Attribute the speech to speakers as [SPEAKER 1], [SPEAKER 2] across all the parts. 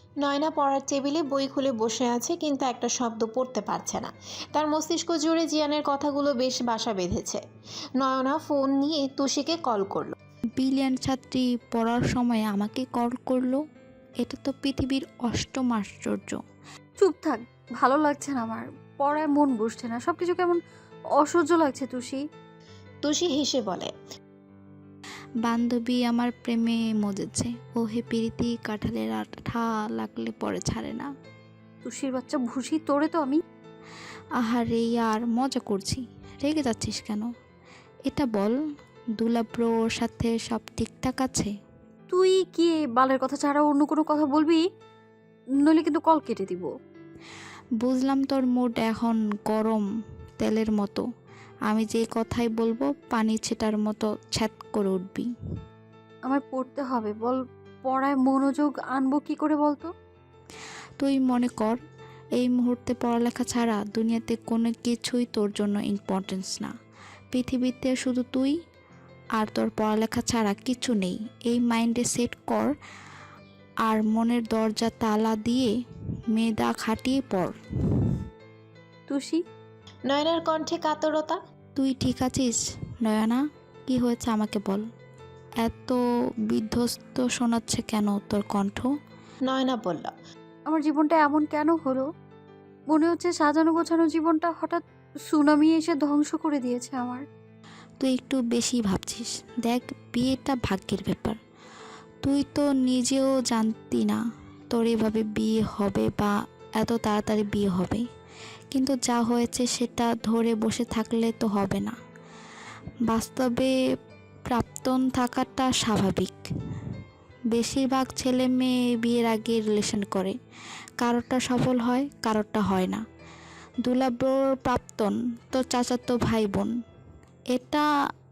[SPEAKER 1] নয়না পড়ার টেবিলে বই খুলে বসে আছে, কিন্তু একটা শব্দ পড়তে পারছে না। তার মস্তিষ্ক জুড়ে জিয়ানের কথাগুলো বেশ বাসা বেঁধেছে। নয়না ফোন নিয়ে তুষিকে কল করলো।
[SPEAKER 2] ব্রিলিয়ান্ট ছাত্রী পড়ার সময় আমাকে কল করলো। এটা তো পৃথিবীর অষ্টম আশ্চর্য।
[SPEAKER 3] চুপ থাক, ভালো লাগছে না আমার। পড়ায় মন বসছে না, সবকিছু কেমন অসহ্য লাগছে তুষি।
[SPEAKER 1] তুষি হেসে বলে,
[SPEAKER 2] বান্ধবী আমার প্রেমে মজেছে। ও হে প্রীতি কাঁঠালের আঠা লাগলে পরে ছাড়ে না।
[SPEAKER 3] তুষির বাচ্চা ভুসি, তোরে তো আমি।
[SPEAKER 2] আহারে আর মজা করছি, রেগে যাচ্ছিস কেন? এটা বল, দুলাব্রোর সাথে সব ঠিকঠাক আছে?
[SPEAKER 3] তুই কি এই বালের কথা ছাড়া অন্য কোনো কথা বলবি? নইলে কিন্তু কল কেটে দিব।
[SPEAKER 2] বুঝলাম তোর মুড এখন গরম তেলের মতো। আমি যে কথাই বলবো পানি ছেটার মতো ছ্যাত করে উঠবি।
[SPEAKER 3] আমায় পড়তে হবে, বল। পড়ায় মনোযোগ আনবো কি করে বলতো?
[SPEAKER 2] তুই মনে কর, এই মুহূর্তে পড়ালেখা ছাড়া দুনিয়াতে কোনো কিছুই তোর জন্য ইম্পর্টেন্স না। পৃথিবীতে শুধু তুই আর তোর পড়ালেখা ছাড়া কিছু নেই। এই মাইন্ডে সেট কর, আর মনের দরজা তালা দিয়ে মেধা খাটিয়ে পড়।
[SPEAKER 3] তুষি,
[SPEAKER 1] নয়নার কণ্ঠে কাতরতা।
[SPEAKER 2] তুই ঠিক আছিস নয়না? কি হয়েছে আমাকে বল। এত বিধ্বস্ত শোনাচ্ছে কেন তোর কণ্ঠ?
[SPEAKER 1] নয়না বলল,
[SPEAKER 3] আমার জীবনটা এমন কেন হলো? মনে হচ্ছে সাজানো গোছানো জীবনটা হঠাৎ সুনামি এসে ধ্বংস করে দিয়েছে আমার।
[SPEAKER 2] তুই একটু বেশি ভাবছিস। দেখ, বিয়েটা ভাগ্যের ব্যাপার। তুই তো নিজেও জানতি না তোর এভাবে বিয়ে হবে বা এত তাড়াতাড়ি বিয়ে হবে। কিন্তু যা হয়েছে সেটা ধরে বসে থাকলে তো হবে না। বাস্তবে প্রাক্তন থাকাটা স্বাভাবিক। বেশিরভাগ ছেলে মেয়ে বিয়ের আগে রিলেশন করে, কারোরটা সফল হয়, কারোরটা হয় না। দুলাব্রোর প্রাক্তন তোর চাচাতো ভাই বোন। এটা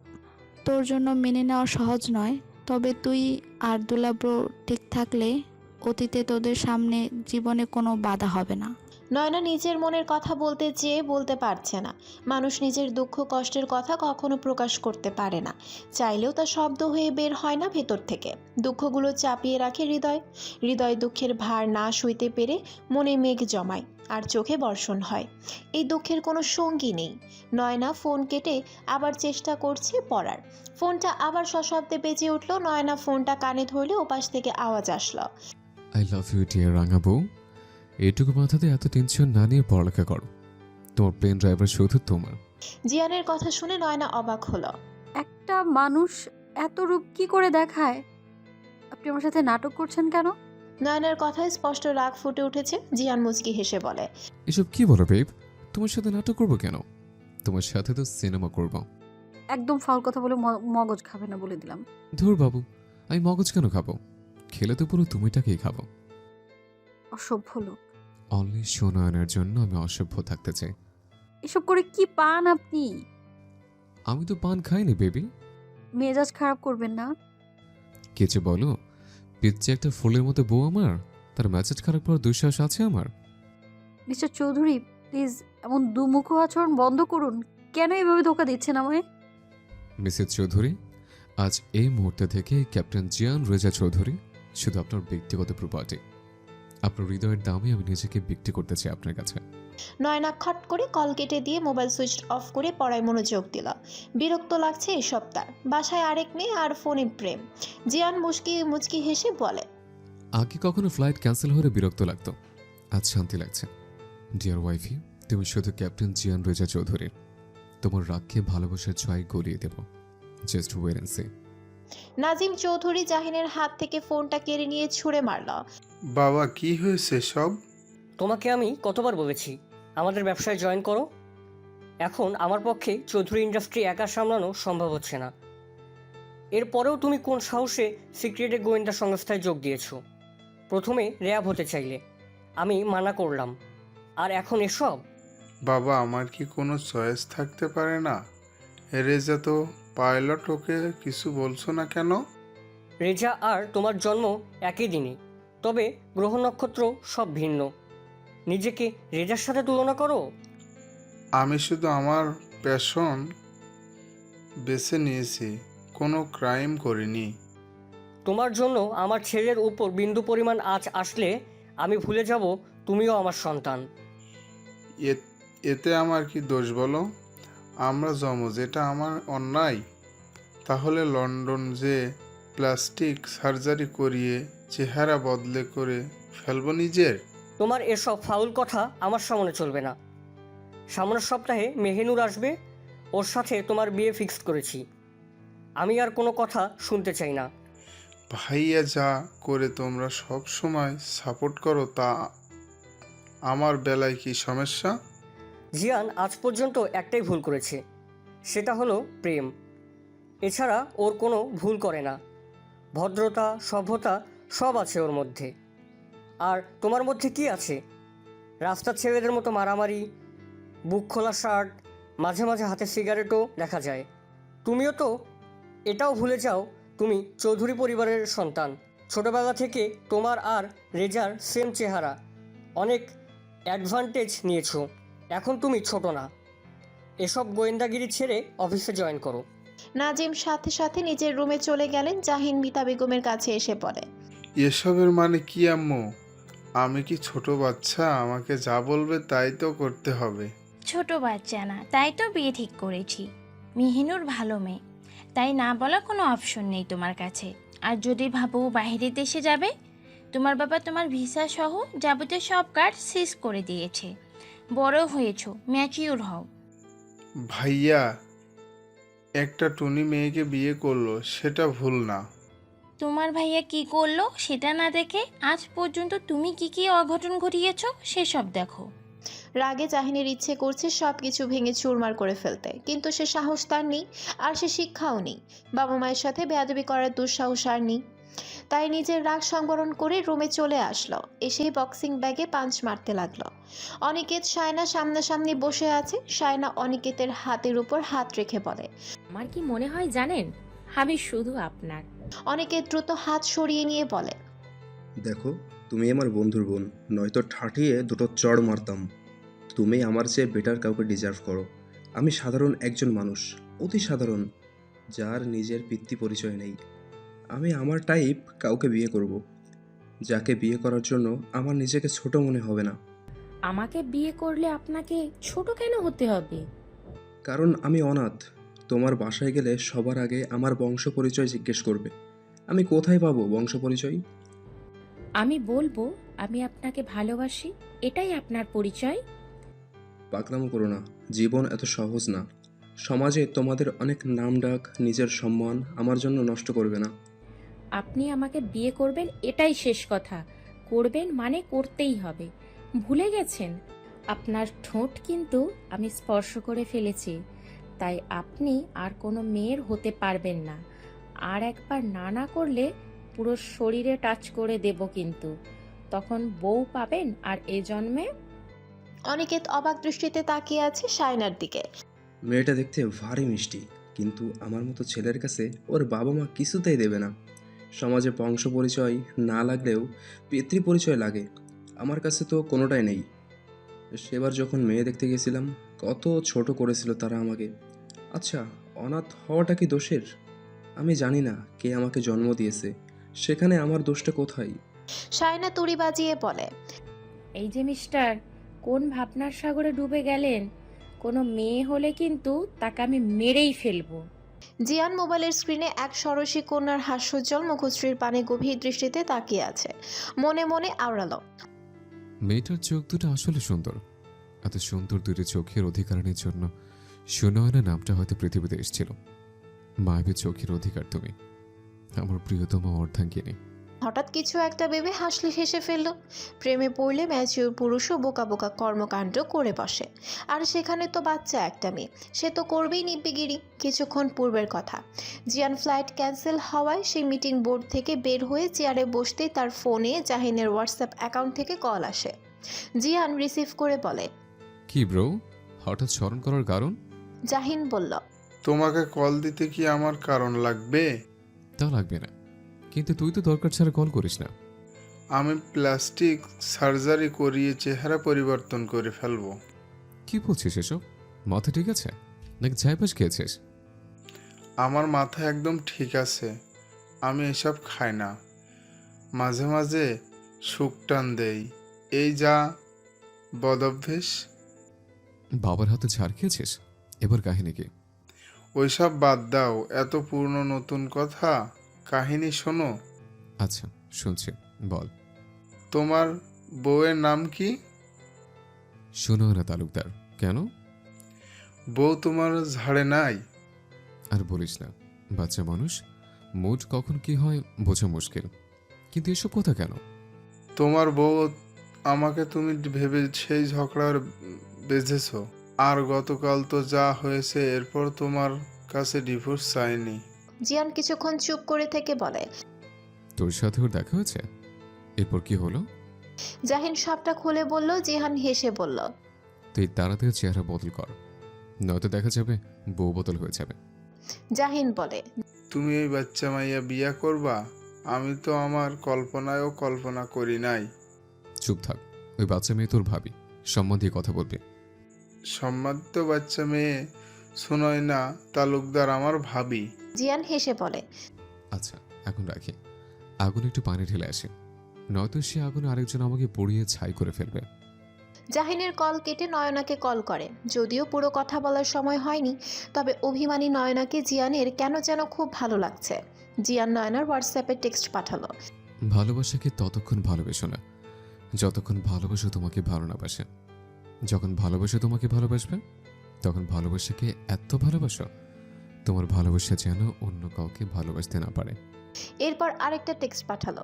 [SPEAKER 2] তোর জন্য মেনে নেওয়া সহজ নয়। তবে তুই আর দুলাব্রো ঠিক থাকলে অতীতে তোদের সামনে জীবনে কোনো বাধা হবে না।
[SPEAKER 1] নয়না নিজের মনের কথা বলতে চেয়ে বলতে পারছে না। মানুষ নিজের দুঃখ কষ্টের কথা কখনো প্রকাশ করতে পারে না, চাইলেও তা শব্দ হয়ে বের হয় না ভেতর থেকে। দুঃখগুলো চাপিয়ে রাখে হৃদয়। হৃদয় দুঃখের ভার না সইতে পেরে মনে মেঘ জমায়, আর চোখে বর্ষণ হয়। এই দুঃখের কোনো সঙ্গী নেই। নয়না ফোন কেটে আবার চেষ্টা করছে পড়ার। ফোনটা আবার সশব্দে বেজে উঠল। নয়না ফোনটা কানে ধরলে ওপাশ থেকে আওয়াজ আসলো,
[SPEAKER 4] আই লাভ ইউ ডিয়ার রাঙা বউ। এইটুকু মাথাতে এত টেনশন না নিয়ে পড়ালেখা করো। তোমার প্লেন ড্রাইভার শুধু তোমার।
[SPEAKER 1] জিয়ানের কথা শুনে নয়না অবাক হলো।
[SPEAKER 3] একটা মানুষ এত রূপ কি করে দেখায়? আপনি আমার সাথে নাটক করছেন কেন?
[SPEAKER 1] নয়নার কথায় স্পষ্ট রাগ ফুটে উঠেছে। জিয়ান মুচকি হেসে বলে,
[SPEAKER 4] এসব কি বলো বেব? তোমার সাথে নাটক করবো কেন? তোমার সাথে তো সিনেমা করবো।
[SPEAKER 3] একদম ফাউল কথা বলে মগজ খাবে না বলে দিলাম।
[SPEAKER 4] ধুর বাবু, আমি মগজ কেন খাবো? খেলে তো পুরো তুমিটাকেই খাবো।
[SPEAKER 3] অসভ্য লোক।
[SPEAKER 4] অনলি সুনয়নের জন্য আমি অসভ্য থাকতে চাই।
[SPEAKER 3] এসব করে কি পান আপনি?
[SPEAKER 4] আমি তো পান খাইনি বেবি।
[SPEAKER 3] মেজাজ খারাপ করবেন না।
[SPEAKER 4] কিছু বলো, পিচ্ছে একটা ফুলের মতো বউ আমার, তার মেসেজ খারাপ করার দুঃসাহস আছে আমার?
[SPEAKER 3] মিস্টার চৌধুরী, প্লিজ এমন দুমুখ আচরণ বন্ধ করুন। কেন এভাবে ধোকা দিচ্ছেন আমায়?
[SPEAKER 4] মিসেস চৌধুরী, আজ এই মুহূর্তে থেকে ক্যাপ্টেন জিয়ান রেজা চৌধুরী শুধু আপনার ব্যক্তিগত প্রপার্টি। আপনার হৃদয়ের দামে আমি নিজেকে বিক্রি করতে চাই আপনার কাছে।
[SPEAKER 1] নয়না খট করে কল কেটে দিয়ে মোবাইল সুইচ অফ করে পড়ায় মনোযোগ দিল। বিরক্ত লাগছে এসব তার। বাসায় আরেক মেয়ে আর ফোনে প্রেম। জিয়ান মুচকি মুচকি হেসে বলে,
[SPEAKER 4] আগে কখনো ফ্লাইট ক্যান্সেল হলে বিরক্ত লাগতো, আজ শান্তি লাগছে। ডিয়ার ওয়াইফি, তুমি শুধু ক্যাপ্টেন জিয়ান রেজা চৌধুরী। তোমার রাগকে ভালোবাসার ছোঁয়ায় গলিয়ে দেব। Just wait and see.
[SPEAKER 1] Nazim Chowdhury জাহিনের হাত থেকে ফোনটা কেড়ে নিয়ে ছুঁড়ে মারল।
[SPEAKER 5] বাবা, কি হয়েছে সব?
[SPEAKER 6] তোমাকে আমি কতবার বলেছি আমাদের ব্যবসায় জয়েন করো। এখন আমার পক্ষে চৌধুরী ইন্ডাস্ট্রি একা সামলানো সম্ভব হচ্ছে না। এরপরেও তুমি কোন সাহসে সিক্রেটে গোয়েন্দা সংস্থায় যোগ দিয়েছো? প্রথমে র্যাব হতে চাইলে, আমি মানা করলাম, আর এখন এসব?
[SPEAKER 5] বাবা, আমার কি কোনো চয়েস থাকতে পারে না? রেজা তো পাইলট, ওকে কিছু বলছো না কেন?
[SPEAKER 6] রেজা আর তোমার জন্ম একই দিনে, তবে গ্রহ নক্ষত্র সব ভিন্ন। নিজেকে রেজার সাথে তুলনা করো।
[SPEAKER 5] আমি শুধু আমার প্যাশন বেছে নিয়েছি, কোনো ক্রাইম করিনি।
[SPEAKER 6] তোমার জন্য আমার ছেলের উপর বিন্দু পরিমাণ আঁচ আসলে আমি ভুলে যাব তুমিও আমার সন্তান।
[SPEAKER 5] এতে আমার কি দোষ বলো? আমরা যমজ, এটা আমার অন্যায়? তাহলে লন্ডন যে প্লাস্টিক সার্জারি করিয়ে চেহারা বদলে করে ফেলবো নিজের?
[SPEAKER 6] তোমার এসব ফাউল কথা আমার সামনে চলবে না। সামনের সপ্তাহে মেহেনুর আসবে, ওর সাথে তোমার বিয়ে ফিক্সড করেছি। আমি আর কোনো কথা শুনতে চাই না।
[SPEAKER 5] ভাইয়া যা করে তোমরা সব সময় সাপোর্ট করো, তা আমার বেলায় কি সমস্যা?
[SPEAKER 6] জিয়ান আজ পর্যন্ত একটাই ভুল করেছে, সেটা হলো প্রেম। এছাড়া ওর কোনো ভুল করে না। ভদ্রতা, সভ্যতা সব আছে ওর মধ্যে। আর তোমার মধ্যে কি আছে? রাস্তার ছেলেদের মতো মারামারি, বুক খোলা শার্ট, মাঝে মাঝে হাতে সিগারেটও দেখা যায়। তুমিও তো এটাও ভুলে যাও তুমি চৌধুরী পরিবারের সন্তান। ছোটবেলা থেকে তোমার আর রেজার সেম চেহারা। অনেক অ্যাডভান্টেজ নিয়েছো, এখন তুমি ছোট না। এসব গোয়েন্দাগিরি ছেড়ে অফিসে জয়েন করো।
[SPEAKER 1] নাজিম সাথে সাথে নিজের রুমে চলে গেলেন। জাহিন মিতা বেগমের কাছে এসে পড়ে।
[SPEAKER 5] এসবের মানে কি আম্মু? আমি কি ছোট বাচ্চা? আমাকে যা বলবে তাই তো করতে হবে।
[SPEAKER 7] ছোট বাচ্চা না, তাই তো বিয়ে ঠিক করেছি। মেহিনুর ভালো মেয়ে, তাই না বলা কোনো অপশন নেই তোমার কাছে। আর যদি ভাবো বাইরের দেশে যাবে, তোমার বাবা তোমার ভিসা সহ যাবতীয় সব কার্ড সিজ করে দিয়েছে। বড় হয়েছো, ম্যাচিউর হও।
[SPEAKER 5] ভাইয়া একটা টুনি মেয়েকে বিয়ে করলো, সেটা ভুল না?
[SPEAKER 7] তোমার ভাইয়া কি করলো সেটা না দেখে আজ পর্যন্ত তুমি কি কি অঘটন ঘটিয়েছো সেসব দেখো।
[SPEAKER 1] রাগে জাহিনের ইচ্ছে করছে সব কিছু ভেঙে চুরমার করে ফেলতে, কিন্তু সে সাহস তার নেই, আর সে শিক্ষাও নেই। বাবা মায়ের সাথে বেয়াদবি করার দুঃসাহস আর নেই। তাই নিজের রাগ সংবরণ করে রুমে চলে আসলো। এসেই বক্সিং ব্যাগে পাঞ্চ মারতে লাগলো। অনিকেত সায়না সামনাসামনি বসে আছে। সায়না অনিকেতের হাতের উপর হাত রেখে বলে,
[SPEAKER 8] আমার কি মনে হয় জানেন, আমি শুধু আপনার।
[SPEAKER 1] অনিকেত দ্রুত হাত সরিয়ে নিয়ে বলে,
[SPEAKER 9] দেখো, তুমি আমার বন্ধুর বোন, নয়তো ঠাঠিয়ে দুটো চড় মারতাম। তুমি আমার চেয়ে বেটার কাউকে ডিজার্ভ করো। আমি সাধারণ একজন মানুষ, অতি সাধারণ, যার নিজের পিতৃ পরিচয় নেই। আমি আমার টাইপ কাউকে বিয়ে করব, যাকে বিয়ে করার জন্য আমার নিজেকে ছোট মনে হবে না।
[SPEAKER 8] আমাকে বিয়ে করলে আপনাকে ছোট কেন হতে হবে?
[SPEAKER 9] কারণ আমি অনাথ। তোমার বাসায় গেলে সবার আগে আমার বংশ পরিচয় জিজ্ঞেস করবে। আমি কোথায় পাবো বংশ পরিচয়?
[SPEAKER 8] আমি বলবো আমি আপনাকে ভালোবাসি, এটাই আপনার পরিচয়।
[SPEAKER 9] পাকনামো করো না, জীবন এত সহজ না। সমাজে তোমাদের অনেক নাম ডাক, নিজের সম্মান আমার জন্য নষ্ট করবে না।
[SPEAKER 8] আপনি আমাকে বিয়ে করবেন, এটাই শেষ কথা। করবেন মানে করতেই হবে। ভুলে গেছেন আপনার ঠোঁট কিন্তু আমি স্পর্শ করে ফেলেছি, তাই আপনি আর কোনো মেয়ের হতে পারবেন না। আর একবার না করলে পুরো শরীরে টাচ করে দেব কিন্তু, তখন বউ পাবেন আর এ জন্মে।
[SPEAKER 1] অনিকেত অবাক দৃষ্টিতে তাকিয়ে আছে সায়নার দিকে।
[SPEAKER 9] মেয়েটা দেখতে ভারী মিষ্টি, কিন্তু আমার মতো ছেলের কাছে ওর বাবা মা কিছুতেই দেবে না। সমাজে বংশ পরিচয় না লাগলেও পিতৃ পরিচয় লাগে, আমার কাছে তো কোনোটাই নেই। সেবার যখন মেয়ে দেখতে গেছিলাম, কত ছোট করেছিল তারা আমাকে। আচ্ছা, অনাথ হওয়াটা কি দোষের? আমি জানি না কে আমাকে জন্ম দিয়েছে, সেখানে আমার দোষটা কোথায়?
[SPEAKER 1] সায়না তুড়ি বাজিয়ে বলে,
[SPEAKER 8] এই যে মিস্টার, কোন ভাবনার সাগরে ডুবে গেলেন? কোনো মেয়ে হলে কিন্তু তাকে আমি মেরেই ফেলবো।
[SPEAKER 1] জিয়ান মোবাইলের স্ক্রিনে এক ষোড়শী কন্যার হাস্যোজ্জ্বল মুখশ্রীর পানে গভীর দৃষ্টিতে তাকিয়ে আছে। মনে মনে আওড়ালো,
[SPEAKER 4] মেয়েটার চোখ দুটো আসলে সুন্দর। এত সুন্দর দুটো চোখের অধিকারণের জন্য সুনয়না নামটা হয়তো পৃথিবীতে এসেছিল। মায়াবী চোখের অধিকার তুমি, আমার প্রিয়তম অর্ধাঙ্গিনী।
[SPEAKER 1] হঠাৎ কিছু একটা ভেবে হাসলে হেসে ফেলল। প্রেমে পড়লে ম্যাচিউর পুরুষও বোকা বোকা কর্মকাণ্ড করে বসে, আর সেখানে তো বাচ্চা একটা মেয়ে, সে তো করবেই নিব্বিগিরি। কিছুক্ষণ পূর্বের কথা, জিয়ান ফ্লাইট ক্যান্সেল হওয়ায় সেই মিটিং বোর্ড থেকে বের হয়ে চেয়ারে বসতেই তার ফোনে জাহিনের হোয়াটসঅ্যাপ অ্যাকাউন্ট থেকে কল আসে। জিয়ান রিসিভ করে বলে,
[SPEAKER 4] কি ব্রো, হঠাৎ স্মরণ করার কারণ?
[SPEAKER 1] জাহিন বলল,
[SPEAKER 5] তোমাকে কল দিতে কি আমার কারণ লাগবে?
[SPEAKER 4] তা লাগবে না, কিন্তু তুই তো দরকার ছাড়া কল করিস না।
[SPEAKER 5] আমি প্লাস্টিক সার্জারি করিয়ে চেহারা পরিবর্তন করে ফেলবো।
[SPEAKER 4] কি বলছিস এসব? মাথা ঠিক আছে নাকি চাইপাস খেয়েছিস?
[SPEAKER 5] আমার মাথা একদম ঠিক আছে। আমি এসব খাই না, মাঝে মাঝে সুখ টান দেই। এই যা বদভ্যেস।
[SPEAKER 4] বাবার হাতে ঝাড় খেয়েছিস? এবার কাহিনী কি?
[SPEAKER 5] ওইসব বাদ দাও, এত পুরনো নতুন কথা, কাহিনী শোনো।
[SPEAKER 4] আচ্ছা, শুনছি, বল।
[SPEAKER 5] তোমার বউয়ের নাম কি?
[SPEAKER 4] সুনয়না তালুকদার। কেন?
[SPEAKER 5] বউ তোমার ঝাড়ে নাই?
[SPEAKER 4] আর বলিস না, বাচ্চা মানুষ, মুড কখন কি হয় বোঝা মুশকিল। কিন্তু এসব কথা কেন?
[SPEAKER 5] তোমার বউ আমাকে তুমি ভেবে সেই ঝগড়ার বেঁধেছ। আর গতকাল তো যা হয়েছে, এরপর তোমার কাছে ডিভোর্স চাইনি।
[SPEAKER 1] জিয়ান কিছুক্ষণ চুপ করে থেকে বলে।
[SPEAKER 4] তোর সাথে ওর দেখা হয়েছে? এরপর কি হলো?
[SPEAKER 1] জাহিন সবটা খুলে বলল। জিহান হেসে বলল,
[SPEAKER 4] তুই তাড়াতাড়ি চেহারা বদল কর, নয়তো দেখা যাবে বউ বদল হয়ে যাবে।
[SPEAKER 1] জাহিন বলে,
[SPEAKER 5] তুমি এই বাচ্চা মাইয়া বিয়া করবা? আমি তো আমার কল্পনায়ও কল্পনা করি নাই।
[SPEAKER 4] চুপ থাক, ওই বাচ্চা মেয়ে তোর ভাবি, সম্মান দিয়ে কথা বলবে।
[SPEAKER 5] সম্মানিত বাচ্চা মেয়ে সুনয়না তালুকদার আমার ভাবি।
[SPEAKER 1] জিয়ান হেসে বলে,
[SPEAKER 4] আচ্ছা, এখন রাখি, আগুন একটু পানি ঢেলে আসে, নয়তো সে আগুনে আরেকজন আমাকে পুড়িয়ে ছাই করে ফেলবে।
[SPEAKER 1] জাহিনের কল কেটে নয়নাকে কল করে। যদিও পুরো কথা বলার সময় হয়নি, তবে অভিমানী নয়নাকে জিয়ানের কেন যেন খুব ভালো লাগছে। জিয়ান নয়নার হোয়াটসঅ্যাপে টেক্সট পাঠালো।
[SPEAKER 4] ভালোবাসাকে ততক্ষণ ভালোবেসো না যতক্ষণ ভালোবাসা তোমাকে ভালো না বাসে। যখন ভালোবাসা তোমাকে ভালোবাসবে, তখন ভালোবাসাকে এত ভালোবাসো তোমার ভালোবাসা যেন অন্য কাউকে ভালোবাসতে না পারে।
[SPEAKER 1] এরপর আরেকটা টেক্সট পাঠালো।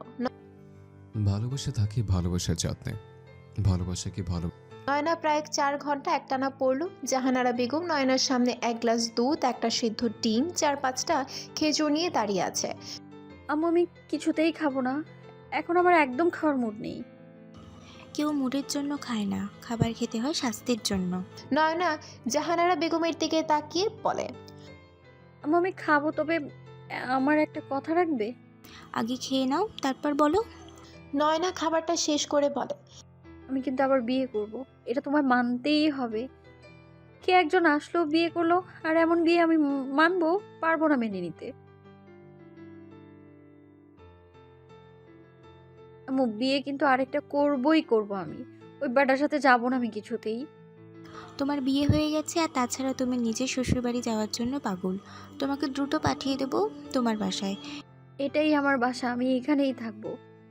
[SPEAKER 4] ভালোবাসা থাকে ভালোবাসার যত্নে, ভালোবাসাকে ভালো।
[SPEAKER 1] নয়না প্রায় 4 ঘন্টা একটানা পড়লো। জাহানারা বেগম নয়নার সামনে এক গ্লাস দুধ, একটা সিদ্ধ ডিম, 4-5টা খেজুর নিয়ে দাঁড়িয়ে আছে।
[SPEAKER 3] আম্মু আমি কিছুতেই খাবো না, এখন আমার একদম খাওয়ার মুড নেই।
[SPEAKER 10] কেউ মুডের জন্য খায় না, খাবার খেতে হয় স্বাস্থ্যের জন্য।
[SPEAKER 1] নয়না জাহানারা বেগমের দিকে তাকিয়ে বলে,
[SPEAKER 3] আম্মু আমি খাবো, তবে আমার একটা কথা রাখবে?
[SPEAKER 10] আগে খেয়ে নাও, তারপর বলো।
[SPEAKER 1] নয়না খাবারটা শেষ করে বলে,
[SPEAKER 3] আমি কিন্তু আবার বিয়ে করব, এটা তোমায় মানতেই হবে। কে একজন আসলো, বিয়ে করলো, আর এমন বিয়ে আমি মানবো? পারবো না মেনে নিতে। আম্মু বিয়ে কিন্তু আরেকটা করবই করব আমি, ওই বেটার সাথে যাবো না আমি কিছুতেই।
[SPEAKER 10] তোমার বিয়ে হয়ে গেছে, আর তাছাড়া তুমি নিজের শ্বশুরবাড়ি যাওয়ার জন্য পাগল। তোমাকে দ্রুত পাঠিয়ে দেবো তোমার বাসায়।
[SPEAKER 3] এটাই আমার বাসা, আমি এখানেই থাকবো।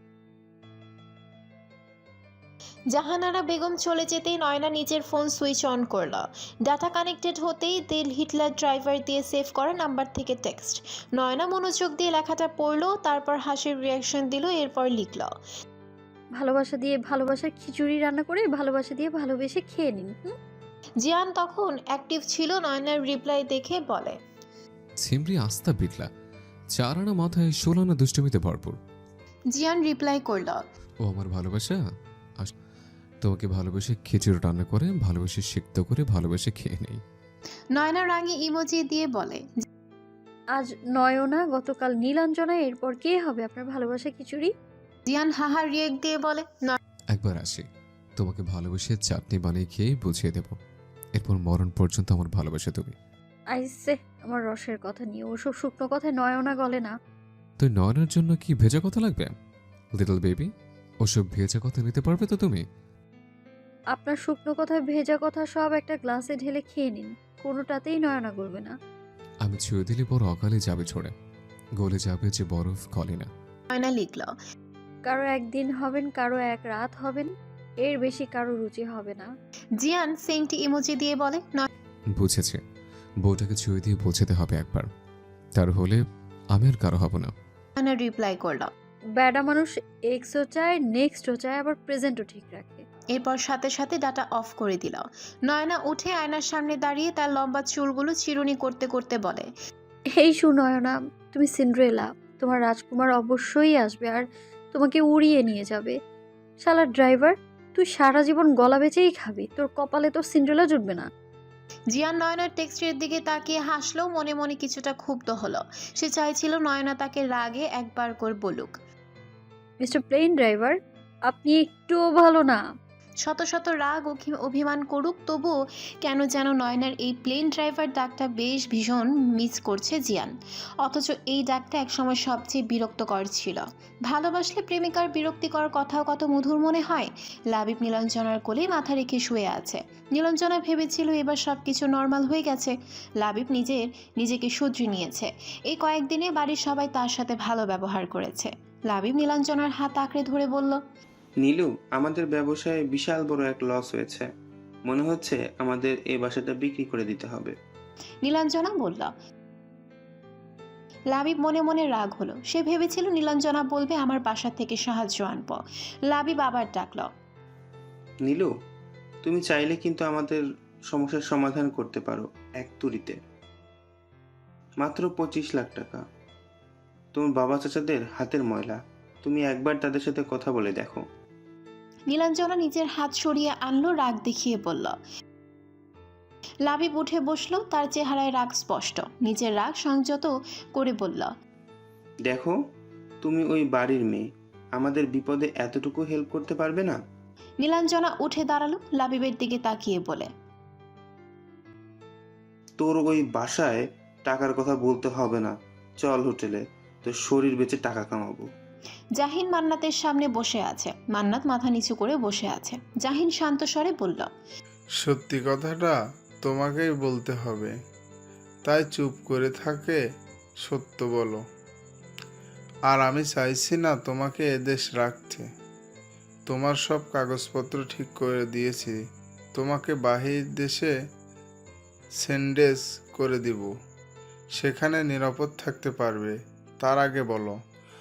[SPEAKER 1] জাহানারা বেগম চলে যেতেই নয়না নিজের ফোন সুইচ অন করল। ডাটা কানেক্টেড হতেই দিল হিটলার ড্রাইভার দিয়ে সেভ করা নাম্বার থেকে টেক্সট। নয়না মনোযোগ দিয়ে লেখাটা পড়লো, তারপর হাসির রিয়াকশন দিল, এরপর লিখল,
[SPEAKER 3] ভালোবাসা দিয়ে ভালোবাসার খিচুড়ি রান্না করে ভালোবাসা দিয়ে ভালোবেসে খেয়ে নিন।
[SPEAKER 1] জিয়ান তখন অ্যাক্টিভ ছিল। নয়নার রিপ্লাই দেখে বলে,
[SPEAKER 4] ছিমড়ি আস্তা বিটলা, 4 আনা মাথায় 16 আনা দুষ্টমিতে ভরপুর।
[SPEAKER 1] জিয়ান রিপ্লাই করল,
[SPEAKER 4] ও আমার ভালোবাসা, তোমাকে ভালোবেসে খিচুড়ি রান্না করে ভালোবেসে সিক্ত করে ভালোবেসে খেয়ে নেই।
[SPEAKER 1] নয়না রাঙি ইমোজি দিয়ে বলে,
[SPEAKER 3] আজ নয়না, গতকাল নীলাঞ্জনা, এরপর কে হবে আপনার ভালোবাসা খিচুড়ি?
[SPEAKER 1] জিয়ান হাহা রিয়েক্ট দিয়ে বলে,
[SPEAKER 4] একবার আসি, তোমাকে ভালোবেসে চাটনি বানিয়ে খেয়ে বুঝিয়ে দেব, এরপর মরণ পর্যন্ত আমার ভালোবাসা তুমি।
[SPEAKER 3] আইসে আমার রসের কথা নিয়ে, ওসব শুকনো কথায় নয়না গলে না।
[SPEAKER 4] তুই নয়নের জন্য কি ভেজা কথা লাগবে? লিটল বেবি, ওসব ভেজা কথা নিতে পারবে তো তুমি?
[SPEAKER 3] আপনার শুকনো কথায় ভেজা কথা সব একটা গ্লাসে ঢেলে খেয়ে নিন, কোনোটাতেই নয়না গলবে না।
[SPEAKER 4] আমি ছুঁয়ে দিলে পর অকালে যাবে ছড়ে, গলে যাবে যে বরফ গলে না।
[SPEAKER 1] নয়না লিখল,
[SPEAKER 3] কারো একদিন হবেন, কারো এক রাত হবেন, এর বেশি কারো রুচি হবে না।
[SPEAKER 1] জিয়ান সেন্টি ইমোজি দিয়ে বলে,
[SPEAKER 4] বুঝেছে, বউটাকে ছুঁয়ে দিয়ে বোঝাতে হবে একবার, তার হলে আমি আর কারো হব না।
[SPEAKER 1] নয়না রিপ্লাই করল।
[SPEAKER 3] ব্যাডা মানুষ এক্সও চায়, নেক্সটও চায়, আবার প্রেজেন্টও ঠিক রাখে।
[SPEAKER 1] এরপর সাথে সাথে ডাটা অফ করে দিল। নয়না উঠে আয়নার সামনে দাঁড়িয়ে তার লম্বা চুলগুলো চিরুনি করতে করতে বলে,
[SPEAKER 3] এই সুনয়না, তুমি সিন্ড্রেলা, তোমার রাজকুমার অবশ্যই আসবে আর তোমাকে উড়িয়ে নিয়ে যাবে। শালা ড্রাইভার, তুই সারা জীবন গলা বেচেই খাবি, তোর কপালে তো সিন্ড্রেলা জুটবে না।
[SPEAKER 1] জিয়ান নয়নার টেক্সটের দিকে তাকিয়ে হাসলো, মনে মনে কিছুটা ক্ষুব্ধ হলো। সে চাইছিল নয়না তাকে রাগে একবার করে বলুক,
[SPEAKER 3] মিস্টার প্লেন ড্রাইভার, আপনি একটুও ভালো না।
[SPEAKER 1] শত শত রাগ অভিমান করুক, তবুও কেন যেন নয়নার এই প্লেন ড্রাইভার ডাকটা বেশ ভীষণ মিস করছে জিয়ান। অথচ এই ডাকটা একসময় সবচেয়ে বিরক্তকর ছিল। ভালোবাসলে প্রেমিকার বিরক্তিকর কথাও কত মধুর মনে হয়। লাবিব নীলাঞ্জনার কোলে মাথা রেখে শুয়ে আছে। নীলাঞ্জনা ভেবেছিল এবার সব কিছু নর্মাল হয়ে গেছে। লাবিব নিজেকে শুধরে নিয়েছে। এই কয়েকদিনে বাড়ির সবাই তার সাথে ভালো ব্যবহার করেছে। লাবিব নীলাঞ্জনার হাত আঁকড়ে ধরে বলল,
[SPEAKER 11] নীলু, আমাদের ব্যবসায় বিশাল বড় এক লস হয়েছে। মনে হচ্ছে আমাদের এই বাসাটা বিক্রি করে দিতে হবে।
[SPEAKER 1] নীলাঞ্জনা বলল। লাবিব মনে মনে রাগ হলো। সে ভেবেছিল নীলাঞ্জনা বলবে আমার বাসা থেকে সাহায্য আনব। লাবিব আবার ডাকল,
[SPEAKER 11] নীলু, তুমি চাইলে কিন্তু আমাদের সমস্যার সমাধান করতে পারো এক তুড়িতে। মাত্র 25 লাখ টাকা। তোমার বাবা চাচাদের হাতের ময়লা, তুমি একবার তাদের সাথে কথা বলে দেখো।
[SPEAKER 1] নীলাঞ্জনা নিজের হাত সরিয়ে আনলো, রাগ দেখিয়ে বলল। লাবিব উঠে বসলো, তার চেহারায় রাগ স্পষ্ট। নিজের রাগ সংযত করে বলল,
[SPEAKER 11] দেখো, তুমি ওই বাড়ির মেয়ে, আমাদের বিপদে এতটুকু হেল্প করতে পারবে না?
[SPEAKER 1] নীলাঞ্জনা উঠে দাঁড়ালো, লাবিবের দিকে তাকিয়ে বলে,
[SPEAKER 11] তোর ওই বাসায় টাকার কথা বলতে হবে না, চল হোটেলে, তোর শরীর বেচে টাকা কামাবো।
[SPEAKER 1] জাহিন মান্নাতের সামনে বসে আছে। মান্নাত মাথা নিচু করে বসে আছে। জাহিন শান্ত স্বরে বলল,
[SPEAKER 5] সত্যি কথাটা তোমাকেই বলতে হবে, তাই চুপ করে থাকে, সত্য বলো। আর আমি চাইছি না তোমাকে এদেশ রাখতে। তোমার সব কাগজপত্র ঠিক করে দিয়েছি, তোমাকে বাহির দেশে সেন্ডেস করে দিব, সেখানে নিরাপদ থাকতে পারবে। তার আগে বলো,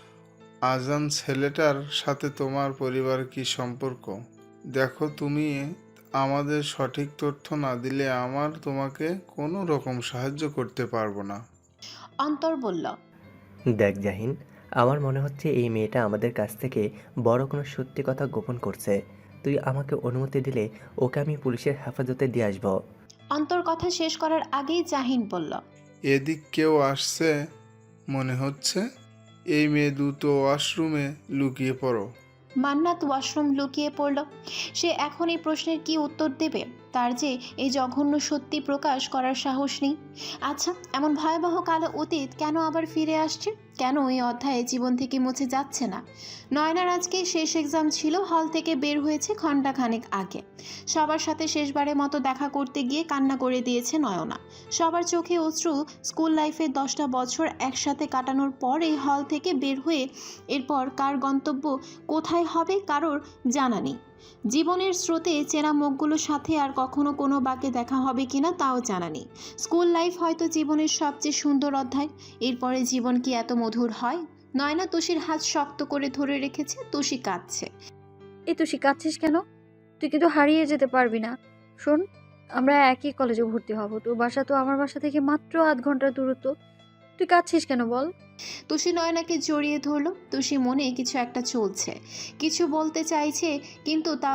[SPEAKER 5] আজান ছেলেটার সাথে তোমার পরিবার কি সম্পর্ক? দেখো, তুমি আমাদের সঠিক তথ্য না দিলে আমার তোমাকে কোনো রকম সাহায্য করতে পারবো না।
[SPEAKER 1] অন্তর বলল,
[SPEAKER 12] দেখ জাহিন, আমার মনে হচ্ছে এই মেয়েটা আমাদের কাছ থেকে বড় কোনো সত্যি কথা গোপন করছে। তুই আমাকে অনুমতি দিলে ওকে আমি পুলিশের হেফাজতে দিয়ে আসবো।
[SPEAKER 1] অন্তর কথা শেষ করার আগেই জাহিন বলল,
[SPEAKER 5] এদিক কেউ আসছে মনে হচ্ছে। এই মেয়ে দ্রুত ওয়াশরুমে লুকিয়ে পড়ো।
[SPEAKER 1] মান্নাত ওয়াশরুম লুকিয়ে পড়ল। সে এখন এই প্রশ্নের কি উত্তর দেবে? তার যে এই জঘন্য সত্যি প্রকাশ করার সাহস নেই। আচ্ছা, এমন ভয়াবহ কালো অতীত কেন আবার ফিরে আসছে? কেন এই অধ্যায়ে জীবন থেকে মুছে যাচ্ছে না? নয়নার আজকে শেষ এক্সাম ছিল। হল থেকে বের হয়েছে ঘণ্টাখানেক আগে। সবার সাথে শেষবারের মতো দেখা করতে গিয়ে কান্না করে দিয়েছে নয়না। সবার চোখে অশ্রু। স্কুল লাইফের 10টা বছর একসাথে কাটানোর পর এই হল থেকে বের হয়ে এরপর কার গন্তব্য কোথায় হবে কারোর জানা নেই। জীবনের স্রোতে চেনা মুখগুলোর সাথে আর কখনো কোনো বাকে দেখা হবে কিনা তাও জানা নেই। স্কুল লাইফ হয়তো জীবনের সবচেয়ে সুন্দর অধ্যায়। এরপরে জীবন কি এত মধুর হয়? নয়না তুষির হাত শক্ত করে ধরে রেখেছে। তুষি কাঁদছে।
[SPEAKER 3] এই তুই কাঁদছিস কেন? তুই কিন্তু হারিয়ে যেতে পারবি না। শোন, আমরা একই কলেজে ভর্তি হব। তোর বাসা তো আমার বাসা থেকে মাত্র 8 ঘন্টার দূরত্ব। তুই কাঁদছিস কেন বল?
[SPEAKER 1] তুষি নয়নাকে জড়িয়ে ধরল। তুষি মনে কিছু একটা চলছে, কিছু বলতে চাইছে, কিন্তু তা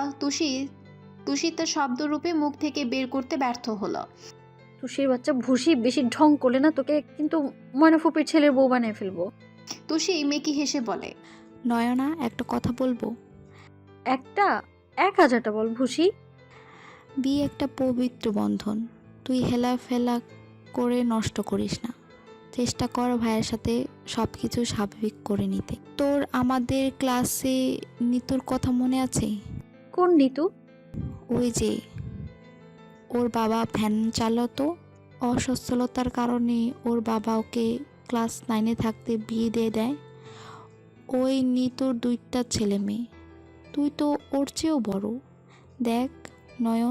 [SPEAKER 1] তুষি তার শব্দরূপে মুখ থেকে বের করতে ব্যর্থ হলো।
[SPEAKER 3] তুষির বাচ্চা ভুসি, বেশি ঢং করলে না তোকে কিন্তু ময়নাফুপির ছেলের বউ বানিয়ে ফেলবো।
[SPEAKER 1] তুষি মেকি হেসে বলে,
[SPEAKER 2] নয়না, একটা কথা বলবো?
[SPEAKER 3] একটা 1000টা বল ভুসি।
[SPEAKER 2] বিয়ে একটা পবিত্র বন্ধন, তুই হেলাফেলা করে নষ্ট করিস না। চেষ্টা কর ভাইয়ের সাথে সব কিছু স্বাভাবিক করে নিতে। তোর আমাদের ক্লাসে নিতুর কথা মনে আছে?
[SPEAKER 3] কোন নিতু?
[SPEAKER 2] ওই যে ওর বাবা ভ্যান চালাতো, অসচ্ছলতার কারণে ওর বাবা ওকে ক্লাস 9-এ থাকতে বিয়ে দিয়ে দেয়। ওই নিতুর 2টা ছেলে মেয়ে, তুই তো ওর চেয়েও বড়। দেখ নয়ন,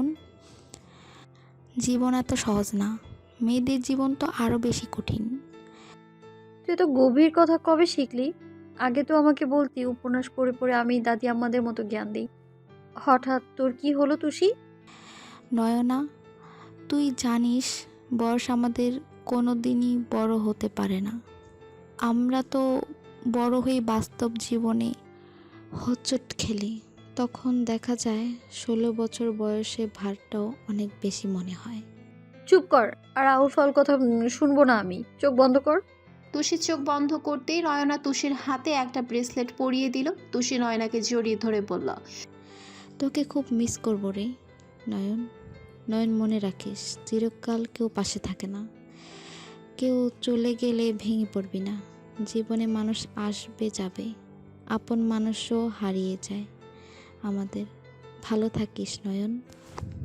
[SPEAKER 2] জীবন এত সহজ না, মেয়েদের জীবন তো আরও বেশি কঠিন।
[SPEAKER 3] তুই তো গভীর কথা কবে শিখলি? আগে তো আমাকে বলতি উপন্যাস পড়ে পড়ে আমি দাদি আমাদের মতো জ্ঞান দিই। হঠাৎ তোর কি হলো তুষি?
[SPEAKER 2] নয়না, তুই জানিস বয়স আমাদের কোনো দিনই বড় হতে পারে না। আমরা তো বড় হয়ে বাস্তব জীবনে হোঁচট খেলি, তখন দেখা যায় 16 বছর বয়সে ভারটাও অনেক বেশি মনে হয়।
[SPEAKER 3] চুপ কর, আর আউল ফাউল কথা শুনবো না আমি। চোখ বন্ধ কর।
[SPEAKER 1] তুষির চোখ বন্ধ করতেই নয়না তুষির হাতে একটা ব্রেসলেট পরিয়ে দিল। তুষি নয়নাকে জড়িয়ে ধরে বলল,
[SPEAKER 2] তোকে খুব মিস করবো রে নয়ন। নয়ন, মনে রাখিস, চিরকাল কেউ পাশে থাকে না। কেউ চলে গেলে ভেঙে পড়বি না। জীবনে মানুষ আসবে যাবে, আপন মানুষও হারিয়ে যায় আমাদের। ভালো থাকিস নয়ন।